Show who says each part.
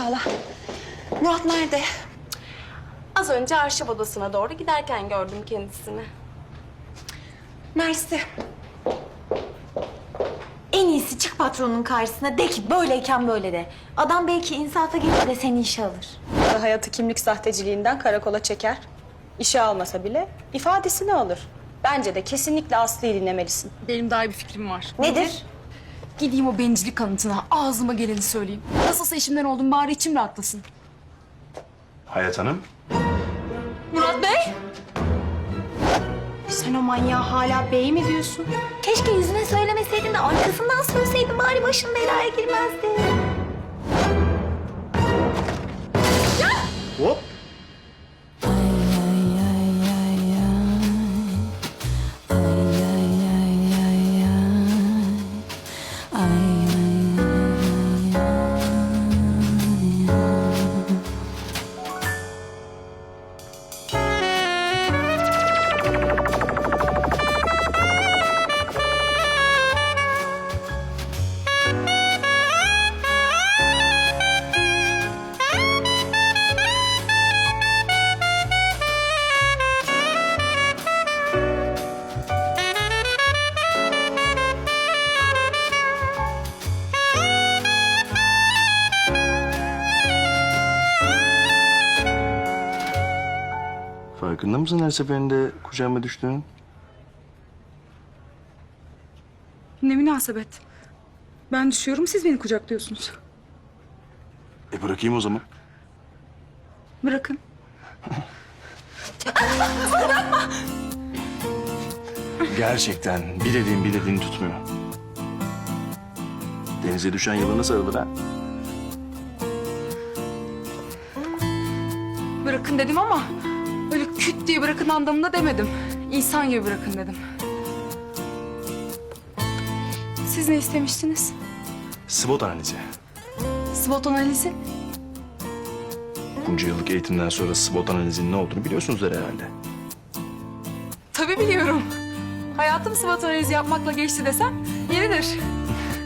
Speaker 1: inşallah. Murat nerede?
Speaker 2: Az önce arşiv odasına doğru giderken gördüm kendisini.
Speaker 1: Mersi. En iyisi çık patronun karşısına de ki böyleyken böyle de. Adam belki insafa gelir de seni işe alır.
Speaker 3: Hayatı kimlik sahteciliğinden karakola çeker. İşe almasa bile ifadesini alır. Bence de kesinlikle Aslı'yı dinlemelisin.
Speaker 4: Benim daha iyi bir fikrim var.
Speaker 1: Nedir?
Speaker 4: Gideyim o bencillik kanıtına ağzıma geleni söyleyeyim. Nasılsa işimden oldum bari içim rahatlasın.
Speaker 5: Hayat Hanım.
Speaker 4: Murat Bey!
Speaker 3: Sen o manyağa hala bey mi diyorsun?
Speaker 1: Keşke yüzüne söylemeseydin de arkasından söyleseydin bari başın belaya girmezdi.
Speaker 5: Hop. Farkında mısın her seferinde kucağıma düştüğünün?
Speaker 4: Ne münasebet. Ben düşüyorum siz beni kucaklıyorsunuz.
Speaker 5: Bırakayım o zaman.
Speaker 4: Bırakın.
Speaker 5: Gerçekten bir dediğini tutmuyor. Denize düşen yılana sarılır ha.
Speaker 4: Bırakın dedim ama öyle küt diye bırakın anlamında demedim. İnsan gibi bırakın dedim. Siz ne istemiştiniz?
Speaker 5: SWOT analizi.
Speaker 4: SWOT analizi.
Speaker 5: Bunca yıllık eğitimden sonra SWOT analizinin ne olduğunu biliyorsunuzdur herhalde.
Speaker 4: Tabii biliyorum. Hayatım SWOT analizi yapmakla geçti desem yeridir.